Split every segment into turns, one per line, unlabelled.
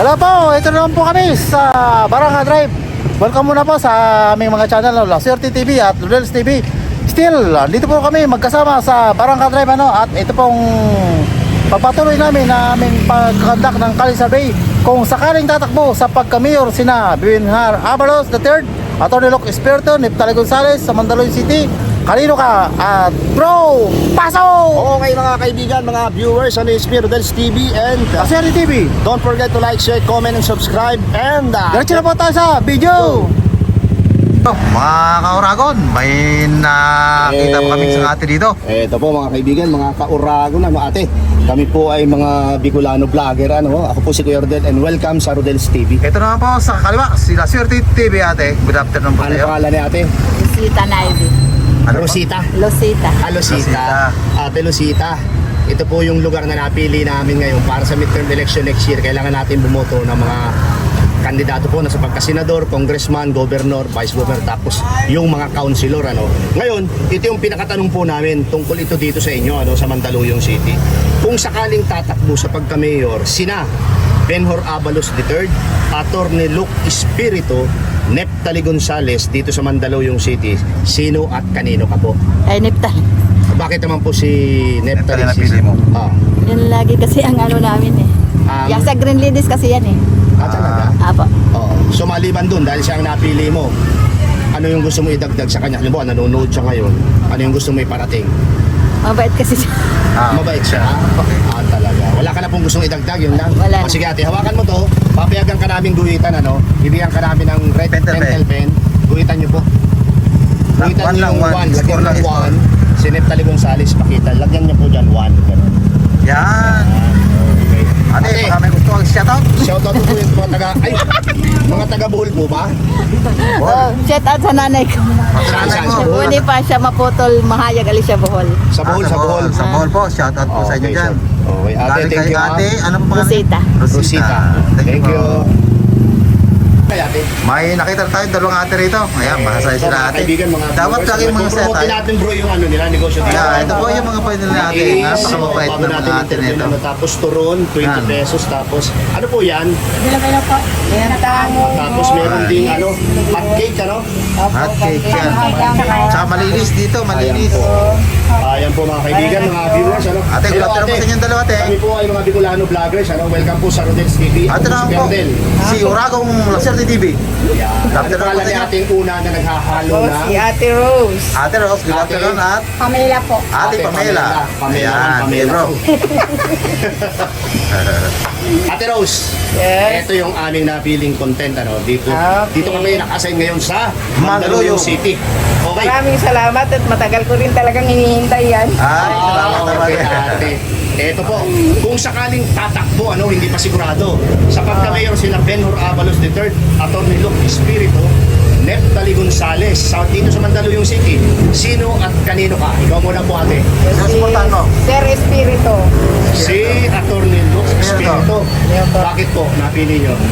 Hello po, ito naman po kami sa Barangka Drive. Welcome muna po sa aming mga channel, Laswerte TV at Ludels TV. Still, dito po kami magkasama sa Barangka Drive at ito pong pagpatuloy namin na aming pagkakandak ng Kali Survey kung sakaling tatakbo sa pagka-mayor sina Benhur Abalos III, Atty. Luc Espiritu, Neftali Gonzalez sa Mandaluyong City. Kanino ka? At bro, pasok!
Okay mga kaibigan, mga viewers, ano yung Ludels TV and
Laswerte TV.
don't forget to like, share, comment, and subscribe. And
Diretso na po tayo sa video. Mga kauragon, may nakita po kami sa ate dito.
Ito po mga kaibigan, mga kauragon, ate. Kami po ay mga Bicolano vlogger, Ako po si Kuya Rodel and welcome sa Ludels TV.
Ito naman po sa kaliwa, si Laswerte TV ate. Good afternoon po
Ano
tayo.
pangalan ni ate?
Rosita Naive.
Ano po?
Rosita.
Losita.
Rosita. Ate Rosita. Ito po yung lugar na napili namin ngayon para sa midterm election next year. Kailangan natin bumoto ng mga kandidato po na sa pagkasenador, congressman, governor, vice governor, tapos yung mga councilor. Ngayon, ito yung pinakatanong po namin tungkol ito dito sa inyo, sa Mandaluyong City. Kung sakaling tatakbo sa pagka-mayor, sina Benhur Abalos III, Atty. Luc Espiritu, Neftali Gonzalez dito sa Mandaluyong City, sino at kanino ka po?
Ay, Neptal.
Bakit naman po si Neftali?
Neftali napili mo?
Yan lagi kasi ang namin eh. Yung sa Green Ladies kasi yan eh.
Talaga?
Apo.
Oo. So maliban dun, dahil siya ang napili mo, ano yung gusto mo idagdag sa kanya? Halimbawa, nanonood siya ngayon, ano yung gusto mo iparating?
Mabait kasi siya.
Mabait siya? Talaga. Wala ka na pong gustong idagdag, yun lang?
Wala.
Sige ate, hawakan mo to, papayagan ka namin guhitan, Bibigyan ka namin ng red pentel pen. Guhitan nyo po. Guhitan nyo yung 1, lagyan ng 1. Si Neftali Gonzalez, pakita. Lagyan nyo po dyan 1.
Yan.
Okay.
Ate, baka may gusto kang shoutout?
Shoutout po yung mga taga Bohol po ba?
Shout out sa nanay ko.
Nanay mo.
Hindi pa siya maputol, mahayag alis siya Bohol.
Sa Bohol, sa Bohol.
Sa Bohol po, shoutout po sa inyo
Okay,
dyan.
Okay, ate,
Galing
thank
kay
you.
ate, ano po pangalan?
Rosita.
Rosita. Thank you. Kay ate.
May nakita tayo dalawang ate rito. Ayan, mahasaya
So,
sila
mga
ate.
kaibigan, mga
Dapat
viewers,
lagi mga set
promote natin bro yung nila, negosyo dito.
Yeah, ito po yung mga pwede nila ate. Napakababait
Bago
ng mga ate
interview,
nito.
Tapos turon, 20
Yan.
pesos. Tapos, ano po yan?
Meron
Tapos meron ding hot cake,
Hot cake yan. Tsaka malinis dito, malinis.
Ayan po mga kaibigan, mga viewers.
Ate, good
Hello,
afternoon po sa inyong dalawa ate.
Kami po ay mga Bicolano vloggers. Welcome po sa Ludels TV.
Ate naman po, si Uragong Laswerte TV.
Yan. Ano
Afternoon
pangalan
po
ni
sa
ating una na naghahalo na?
Si Ate Rose.
Ate Rose, good afternoon at
Pamela po.
Ate Pamela. Ayan,
Pamela.
bro.
Ate Rose,
Yes.
ito yung aming napiling content. Dito,
Okay.
dito kami naka-assign ngayon sa
Mandaluyong
Mandaluyong City. Okay.
Maraming salamat at matagal ko rin talagang hinihintay yan.
Ay, salamat naman.
Okay, ate. Ito po, kung sakaling tatakbo, hindi pa sigurado. Sa pagka-mayor sila Benhur Abalos III, Atty. Luc Espiritu, Neftali Gonzalez, dito sa Mandaluyong City. Sino at kanino ka? Ikaw muna po ate.
Susuportahan mo.
Sir Espiritu.
Si Atty. Luc Espiritu. Bakit po napili nyo?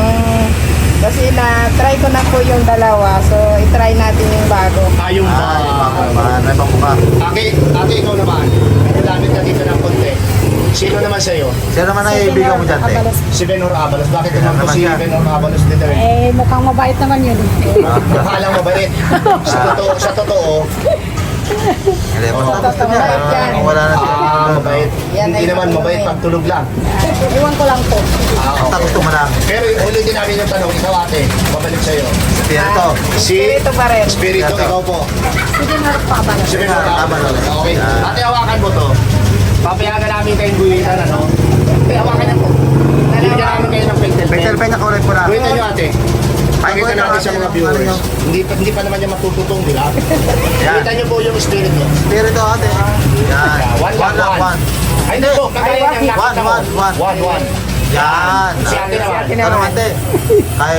Kasi na-try ko na po yung dalawa, so i-try natin yung bago.
Yung
Ay, mga may pamukha.
Ate, ikaw naman. Nalamit ka dito ng konti. Sino naman sa'yo?
Sino naman ay ibigan mo dyan, te?
Si Benhur Abalos. Bakit naman po
naman
si
siya.
Benhur Abalos III?
Mukhang mabait naman yun.
Mukha lang mabait. Sa totoo,
Hindi, basta niya. Kung wala na siya.
mabait.
Yan
Hindi
ay
naman
totoo
mabait
eh.
pag tulog lang.
Iwan ko lang po.
Basta gusto mo lang.
Pero ulitin namin yung tanong, ikaw ate, babalik sa'yo.
Spirito.
Si
Espiritu pa rin.
Espiritu,
Ito.
ikaw po.
Sige na pa ba?
Si Benhur Abalos. Okay. Ate, hawakan mo to. Papayagan namin kayong guhitan, Ate, hawakan niyo po. Bibigyan namin kayo ng pentel pen.
Pentel pen na kulay po na.
Guhitan niyo ate. Pakita
Guhitan
natin sa
natin
mga
yung
viewers.
ano nyo.
Hindi pa naman niya matututong, di ba?
Yan.
Guhitan niyo po yung Espiritu.
Spirito ate. Yan.
One lang, one.
One.
Ay, hindi po. Kagaya ng nakita mo.
One.
One.
Yan.
Si ate naman.
Ito naman, te. Kay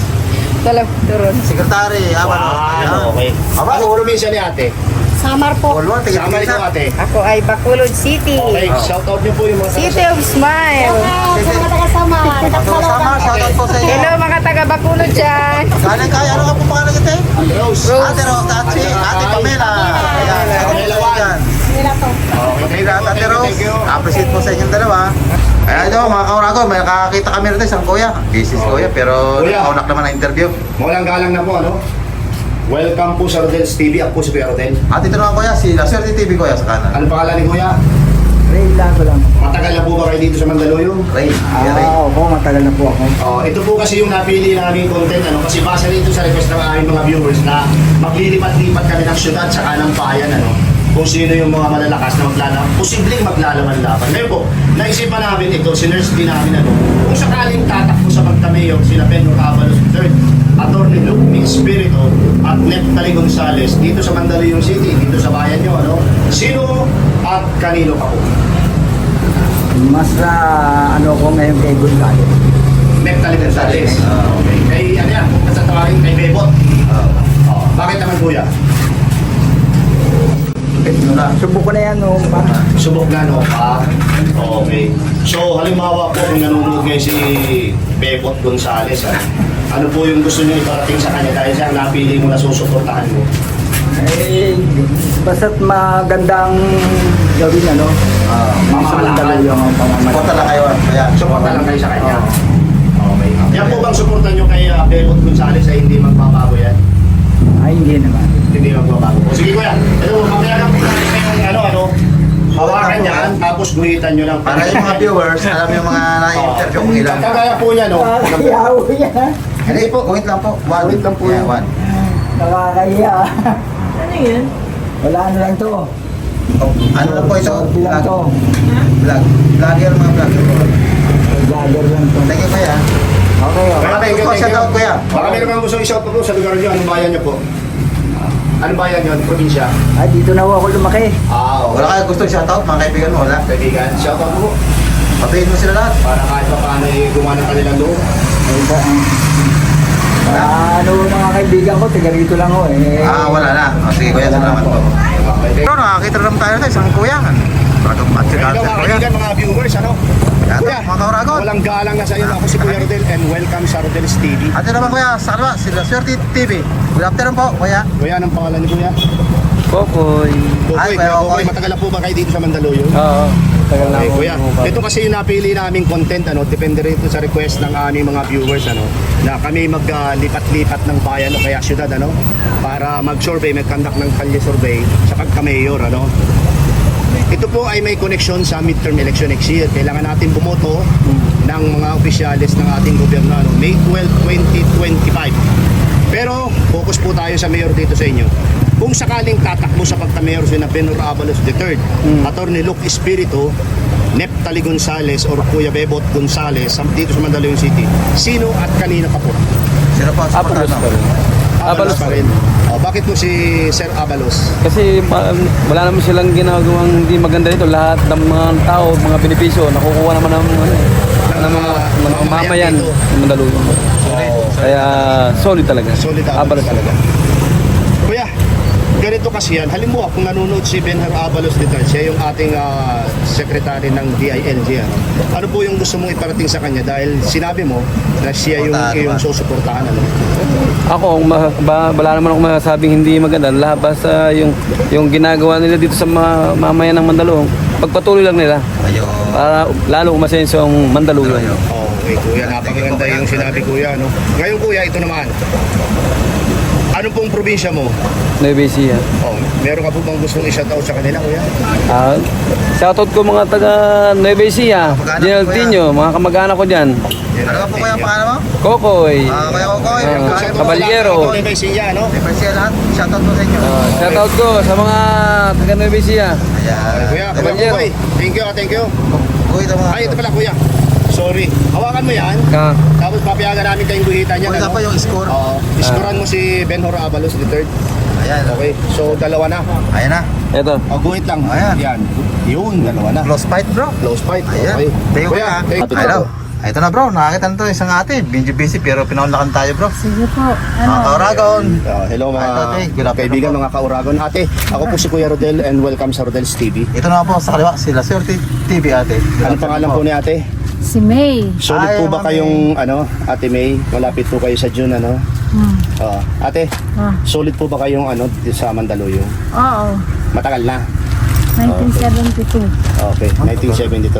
Turon.
sekretary. Aban.
Wow, okay.
Aba,
Ano probinsya ni ate?
Samar po.
Walwal, tigil
Sama ikaw ate.
Ako ay Bacolod City.
Okay, shout out niyo po yung mga
City of Smile.
Sa mga taga-Samar, shoutout po sa inyo.
Hello mga taga Bacolod dyan.
Galing kayo, ano ka po pangalan kita eh?
Rose.
Ate Rose at si Ate Pamela. Ayan,
Pamela Wan.
yan.
Okay,
Ate Rose,
thank you.
appreciate po sa inyong dalawa. Ayan ito mga kauragon, may nakakita kami rito isang kuya. Busy si kuya, pero
Kuya.
nakaunak naman ang interview.
Mawalang galang na po, ano? Welcome po sa Rodel's TV. Ako po si Kuya Rodel.
At ito naman kuya, si La Suerte TV kuya sa kanan.
Ano pangalan ni Kuya?
Ray Lago lang.
Matagal na po ba kayo dito sa Mandaluyong?
Ray, kuya Ray.
Opo, matagal na po ako.
Ito po kasi yung napili naming content, ano? Kasi base dito sa request ng aming mga viewers na maglilipat-lipat kami ng syudad sa kanang bayan, ano? Kung sino yung mga malalakas na maglalaban, posibleng maglalaban-laban. Ngayon po, naisipan namin ito, sinerge din namin, ano? Kung sakaling tatakbo sa pagtamayo, sila Benno Avalos III, Atty. Luke Espiritu at Neptali Gonzales dito sa Mandaluyong City, dito sa bayan nyo, ano? Sino at kanino pa po?
Mas ano ko ngayon kay Gonzales.
Neptali Gonzales. Okay. Kay, ano yan, kung sa tawagin, kay Bebot. Bakit naman kuya?
Subok ko na yan noong pa.
Subok na no? Okay. So, halimbawa po kung nanonood ngayon si Bebot Gonzales, ano po yung gusto niyo iparating sa kanya dahil siya ang napili mo na susuportahan mo?
Eh, basta't magandang gawin ano.
Pamamalakad.
Yung pamamalakad.
Punta lang kayo. Kaya,
Suporta lang kayo sa kanya. Okay. Yan po bang suporta niyo kay Bebot Gonzales ay hindi magbabago yan?
Ay, hindi naman.
Hindi magbabago. O sige kuya, ito, mamaya lang po natin kayong hawakan yan, tapos guhitan nyo lang.
para yung mga viewers, alam yung mga na-interview kung ilan.
Kagaya po niya, no?
Nakakahiyaw yan.
Hindi po, kuwit lang po.
Kuwit lang po
Yeah,
yun.
one.
Nakakahiya.
Ano yun?
Wala ano lang to.
Ano lang po ito?
Short lang to.
Vlog. Vlogger mga vlogger po.
Vlogger lang to.
Thank you kuya.
Okay, okay.
Kaya thank you,
Po,
thank
shout
you.
out, kuya.
Baka meron kang gusto i-shout po sa lugar niyo, anong bayan niyo po? Anong bayan niyo? Anong probinsya?
Ay, dito na ako lumaki.
Wala kayo gusto shoutout, mga kaibigan mo, wala.
Kaibigan, shout out po.
Papihin mo sila lahat.
Para kahit pa paano gumawa ng kanilang loob.
Ay, ano mga kaibigan ko, tiga rito lang ako eh.
Wala na. Sige kuya, salamat po. Pero nakakita naman tayo na isang kuya. Bagong at sila
Hello mga
kuya.
kaibigan, mga viewers, ano?
Yan,
Kuya,
mga kauragon.
walang galang na sa iyo. Ako si Kuya Rodel and welcome sa Rodel's TV.
At yun naman kuya, sa kaliwa, si La Suerte TV. Good afternoon po, kuya.
Kuya, anong pangalan niyo kuya?
Kokoy.
Ay,
Kuya
Kuya
Kokoy,
Kokoy.
matagal na po ba kayo dito sa Mandaluyong?
Oo. Tagal na
Okay,
ako.
kuya. Ito kasi yung napili naming content, ano, depende rito sa request ng aming mga viewers, ano, na kami maglipat-lipat ng bayan o kaya syudad, ano, para mag-survey, mag-conduct ng kalye survey sa pagka-mayor, ano. Ito po ay may connection sa midterm election next year. Kailangan natin bumoto ng mga opisyalis ng ating gobyerno, ano, May 12, 2025. Pero focus po tayo sa mayor dito sa inyo. Kung sakaling tatakbo sa pagka-mayor si Benno Avalos III, Atty. Luke Espiritu, Neptali Gonzales or Kuya Bebot Gonzales dito sa Mandaluyong City, sino at kanina pa po?
Sino po?
Avalos pa rin. Avalos
pa rin. Bakit po si Sir Avalos?
Kasi wala naman silang ginagawang hindi maganda dito. Lahat ng mga tao, mga benepisyo, nakukuha naman ng mga mamayan
dito.
ng Mandaluyong. Kaya solid talaga.
Solid
Avalos
talaga. Kuya, ganito kasi yan. Halimbawa, kung nanonood si Benno Avalos III, siya yung ating secretary ng DILG. Ano po yung gusto mong iparating sa kanya? Dahil sinabi mo na siya yung iyong susuportahan. Ano?
Ako, wala naman ako masasabing hindi maganda. Lahat basta yung ginagawa nila dito sa mamayan ng Mandaluyong, pagpatuloy lang nila
Ayun.
para lalo umasenso ang Mandaluyong.
Okay, kuya. Napakaganda yung sinabi, kuya. No? Ngayon, kuya, ito naman. Ano pong probinsya mo?
Nueva Ecija.
Meron ka po bang gustong i-shoutout sa kanila, kuya?
Shoutout ko mga taga Nueva Ecija, General Tino, mga kamag-anak ko dyan.
Ano ba po kuya ang pangalan mo?
Kokoy,
Kuya Kokoy.
Caballero.
Ito may siya, no?
Siya lahat. Shoutout po sa inyo.
Shoutout ko sa mga taga Nueva Ecija.
Ayan.
Kuya,
Caballero.
kuya, thank you, thank you.
Kuya, ito mga.
Ay, ito pala, kuya. Sorry. Hawakan mo yan. Tapos papayagan namin kayong guhitan yan.
Kuya pa yung score.
Oo. Iskoran mo si Benno Avalos III.
Ayan.
Okay. So, dalawa na.
Ayan na.
Ito.
Guhit lang.
Ayan.
Yan. Yun, dalawa na.
Close fight bro.
Close fight.
Ayan.
Okay.
Thank you kuya.
thank you.
Hello. Ito na bro, nakakita na to isang ate. Busy pero pinaunlakan tayo bro.
Sige po.
Mga kauragon.
Hello mga
Ate, good afternoon
kaibigan,
po.
mga kauragon. Ate, ako po si Kuya Rodel and welcome sa Rodel's TV.
Ito na po sa kaliwa, si La Suerte TV ate.
Ano pangalan po ni ate?
Si May.
Solid
Ay,
po ba
Ma'am
kayong Ate May? Malapit po kayo sa June, ano? Ate, solid po ba kayong dito sa Mandaluyong?
Oo.
Matagal na.
1972.
Okay, 1972.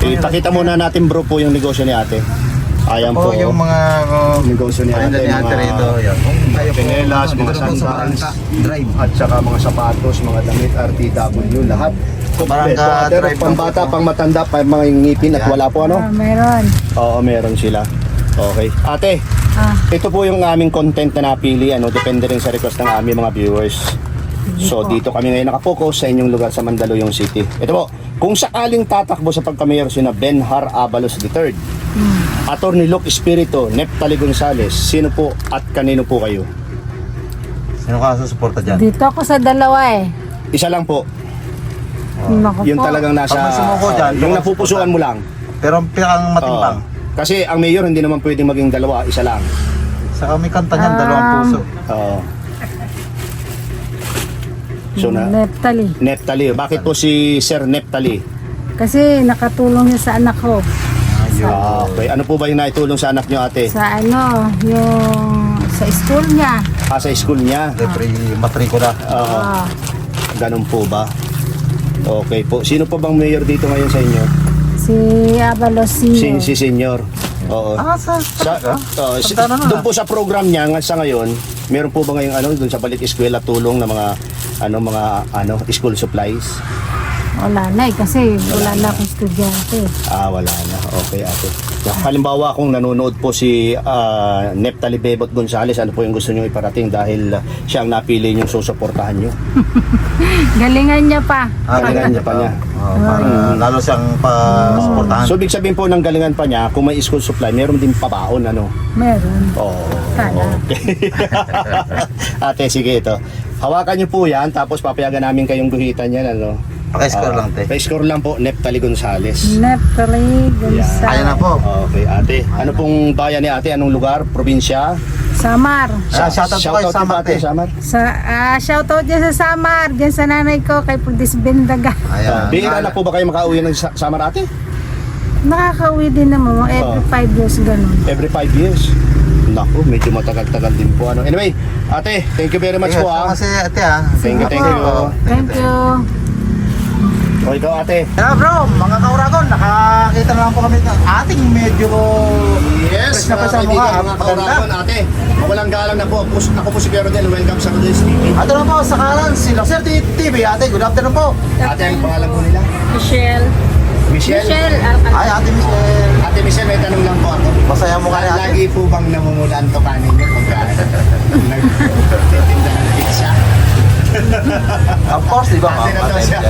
Okay, pakita muna natin bro po yung negosyo ni ate. Ayan po.
yung mga
negosyo ni ate,
Yan.
pinelas, mga sandals,
Drive.
at saka mga sapatos, mga damit, RTW, lahat.
Barangka
Pero
Drive.
pang bata, pang matanda, pang mga ngipin at wala po ano?
Meron.
Oo, meron sila. Okay. Ate, ito po yung aming content na napili. Depende rin sa request ng aming mga viewers. So, dito kami ngayon nakapokus sa inyong lugar sa Mandaluyong City. Ito po, kung sakaling tatakbo sa pagkamayor sina Benhar Abalos III, Attorney Luke Espiritu, Neptali Gonzales, sino po at kanino po kayo?
Sino ka susuporta dyan?
Dito ako sa dalawa eh.
Isa lang po.
Naku
Yung
po.
talagang nasa...
Pag may sumuko dyan,
yung
yung
napupusuan mo lang.
Pero ang pinakang matimbang.
Kasi ang mayor hindi naman pwedeng maging dalawa, isa lang.
Saka may kanta niyan, dalawang puso.
Oo. So na,
Neptali.
Neptali. Bakit po si Sir Neptali?
Kasi nakatulong niya sa anak ko.
Okay. Ano po ba yung naitulong sa anak nyo, ate?
Sa yung sa school niya.
Sa school niya?
Matrikula.
Oo.
Ah,
Ganun po ba? Okay po. Sino po bang mayor dito ngayon sa inyo?
si Abalos Senior.
Si Senior. Oo.
Sa
Doon po sa program niya sa ngayon, meron po ba ngayong doon sa balik eskwela tulong na mga school supplies?
Wala na eh, kasi wala na akong estudyante.
Wala na. Okay, ate. Halimbawa kung nanonood po si Neptali Bebot Gonzales, ano po yung gusto niyo iparating dahil siya ang napili niyong susuportahan niyo?
Galingan niya pa.
Galingan niya pa niya.
Para lalo siyang pa-suportahan.
So, ibig sabihin po ng galingan pa niya, kung may school supply, meron din pabaon, ano?
Meron.
Oo.
Sana.
Okay. Ate, sige ito. Hawakan niyo po yan, tapos papayagan namin kayong guhitan yan, ano?
Paki-score lang, te.
Pa-score lang po, Neptali Gonzales.
Neptali Gonzales.
Ayan na po.
Okay, ate. Ano pong bayan ni ate? Anong lugar? Probinsya?
Samar.
Shoutout po kay
din
Samar,
ate,
te.
Samar.
Shoutout dyan sa Samar. Dyan sa nanay ko, kay Pudis Bendaga.
Ayan.
Bihira na po ba kayo makauwi ng Samar, ate?
Nakakauwi din naman mga every 5 years ganun.
Every 5 years. Naku, medyo matagal-tagal din po. Anyway, ate, thank you very much po, ha.
Kasi ate
Thank you, thank you.
Thank you.
O, ikaw, ate.
Kaya bro, mga kauragon, nakakita na lang po kami ng ating medyo
Yes,
fresh na pa sa mukha.
mga kauragon, ate. Walang galang na po. Ako po si Pero Del. Welcome sa Rodels TV.
Ato na po sa kalan, si Loser TV. Ate, good afternoon po.
Ate, ang pangalan po nila?
Michelle.
Michelle.
Ay, Ate Michelle.
Ate Michelle, may tanong lang po ako.
Masaya mo ka ni ate.
Lagi po bang namumulan to kanin niyo pagka nagtitinda ng pizza?
Of course, di ba?
Ate na to siya.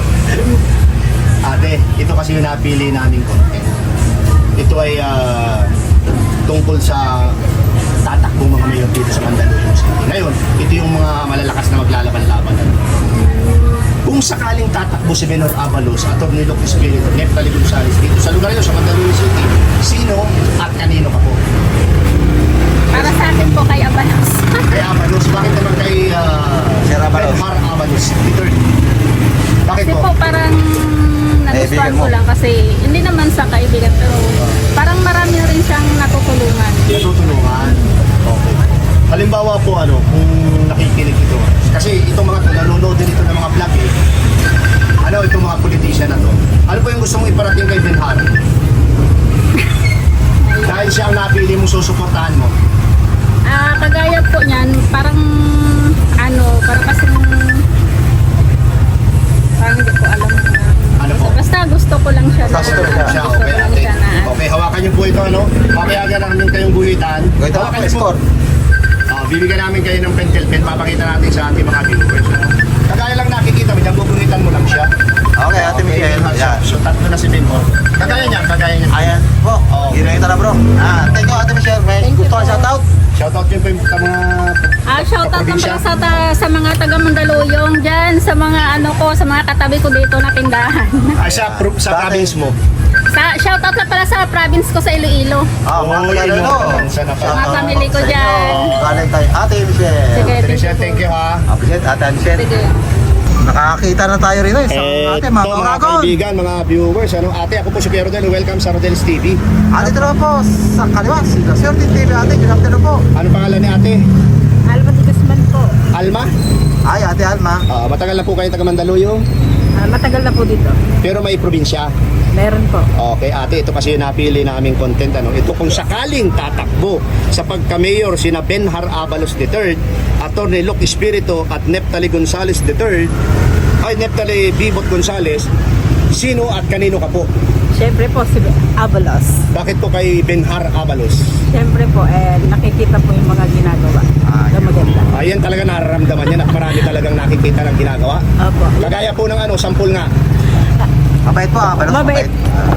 Ate, ito kasi yung napili naming content. Ito ay tungkol sa tatakbong mga mayor dito sa Mandaluyong City. Ngayon, ito yung mga malalakas na maglalaban-laban. Kung sakaling tatakbo si Benhar Abalos, Attorney Luke Espiritu, Neptali Gonzales dito sa lugar nito sa Mandaluyong City, sino at kanino ka po?
Para sa akin po kay Abalos.
Kay Abalos, bakit naman kay
Sir Abalos?
Benhar Abalos III? Bakit
Kasi
po?
po parang nagustuhan
mo.
ko lang kasi hindi naman sa kaibigan pero parang marami rin siyang natutulungan.
Natutulungan. Okay. Halimbawa po kung nakikinig ito. Kasi itong mga nanonood din ito ng mga vlog itong mga politician na to. Ano po yung gusto mong iparating kay Benhar? Dahil siya ang napili mong susuportahan mo.
Kagaya po niyan, parang parang kasing parang hindi ko alam.
Ano po?
Basta gusto ko lang siya.
Gusto ko lang
Siya,
Gusto ko
okay
lang
ate.
siya na.
Okay, hawakan niyo po ito Papayagan namin kayong guhitan.
Ito
Hawakan
ang
niyo po.
score.
Bibigyan namin kayo ng pentel pen. Papakita natin sa ating mga viewers. Kagaya lang nakikita mo, dyan guguhitan mo lang siya.
Okay, Ate Michelle. Ayan.
So tatlo na si Benhar. Kagaya niya.
Ayan po. Ginawin na bro. Thank you, Ate Michelle. May gusto ka shoutout?
Shoutout yun po yung mga
Shoutout lang
probinsya.
pala sa mga taga Mandaluyong dyan, sa mga sa mga katabi ko dito na tindahan.
Sa
Bakit?
province mo.
Shoutout lang pala sa province ko sa Iloilo.
Mga
Oh,
taga
Iloilo.
Iloilo.
Sana pa.
Mga family ko dyan.
Galing tayo. Ate Michelle.
Sige,
Thank you ha.
Appreciate, Ate Michelle.
Sige.
Nakakita na tayo rin sa ate, mga
Ito, mga
kauragon.
kaibigan, mga viewers. Ate, ako po si Pero Del. Welcome sa Rodels TV.
Ate, ito naman po sa kaliwa, si Loser TV. Ate, good afternoon po.
Ano pangalan ni ate?
Alba de Guzman po.
Alma?
Ay, Ate Alma.
Matagal na po kayo taga Mandaluyong,
Matagal na po dito.
pero may probinsya.
Meron po.
Okay, ate, ito kasi yung napili naming content. Ano? Ito kung sakaling tatakbo sa pagka-mayor sina Benhar Abalos III, Atty. Luke Espiritu at Neptali Gonzales III, ay Neptali Bibot Gonzales, sino at kanino ka po?
Siyempre po si Abalos.
Bakit po kay Benhar Abalos?
Siyempre po, nakikita po yung mga ginagawa. Na maganda.
Ayan talaga nararamdaman yan at marami talagang nakikita ng ginagawa.
Opo.
Kagaya po ng sampul nga.
Mabait po, Abalos.
Mabait.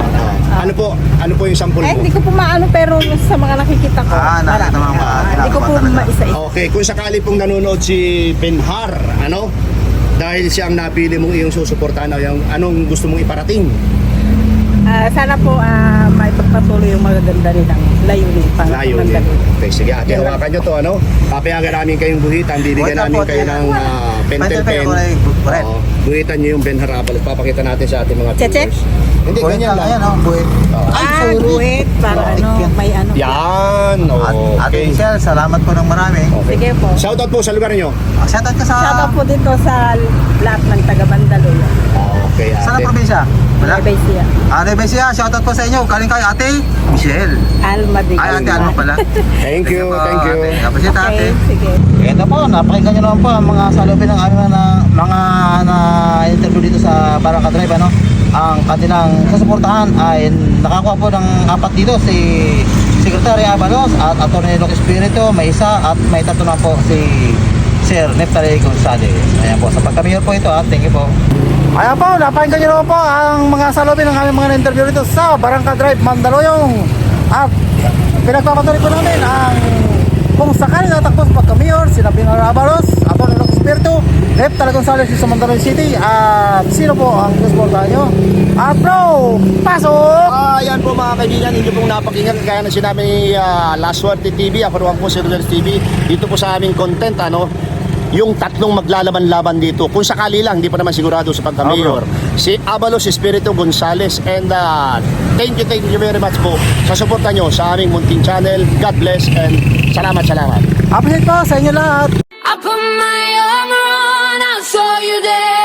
Ano po yung sampul mo?
Hindi ko po maano pero sa mga nakikita ko.
Nakita mo mga
Hindi ko po maisa-isa.
Okay, kung sakali pong nanonood si Benhar, dahil siya ang napili mong iyong susuportahan, anong gusto mong iparating?
Sana po may pagpatuloy yung magaganda rin ng layunin para
Layunin.
maganda.
Okay, sige ate, hawakan nyo to, papayagan namin kayong buhitan, bibigyan namin kayo ng pentel pen. Oo, buhitan nyo yung Benhar Abalos, papakita natin sa ating mga
Cheche?
viewers. Hindi, ganyan lang.
buwit.
Buwit para may ano.
Yan,
Ate
okay.
Michelle, salamat po ng marami.
Sige po.
Shoutout po sa lugar nyo.
Shoutout ka sa...
Shoutout po dito sa lahat ng taga Mandaluyong.
Okay,
Saan
ate.
ang probinsya?
Nueva Ecija.
Nueva Ecija, shoutout po sa inyo. Galing kay Ate Michelle.
Almadig.
Ate Alma pala.
Thank you, thank you.
Kapasya ate.
Okay, sige.
Ito po, napakinggan nyo naman po ang mga salubin ng aming mga interview dito sa Barangka Drive. Ang kanilang susuportahan ay nakakuha po ng 4 dito, si Secretary Abalos at Atty. Luke Espiritu, may isa at may 3 na po si Sir Neptali Gonzales. Ayan po, sa pagka-mayor po ito thank you po. Ayan po, napakinggan nyo naman po ang mga salubin ng aming mga interview dito sa Barangka Drive, Mandaluyong. At pinagpapatuloy po namin ang kung sakali natakbo sa pagka-mayor, sina Benhar Abalos, Atty. Luke Espiritu, Neptali Gonzales sa Mandaluyong City, at sino po ang susuportahan nyo? At bro, pasok!
Yan po mga kaibigan, hindi pong napakinggan kaya na sinabi ni Last Word TV, ako naman po si Rodels TV, dito po sa aming content, yung 3 maglalaban-laban dito, kung sakali lang, hindi pa naman sigurado sa pagka-mayor, si Abalos, Espiritu, Gonzales, and thank you very much po sa suporta nyo sa aming munting channel. God bless and salamat.
Appreciate po sa inyo lahat.
I put my armor on, I saw you there.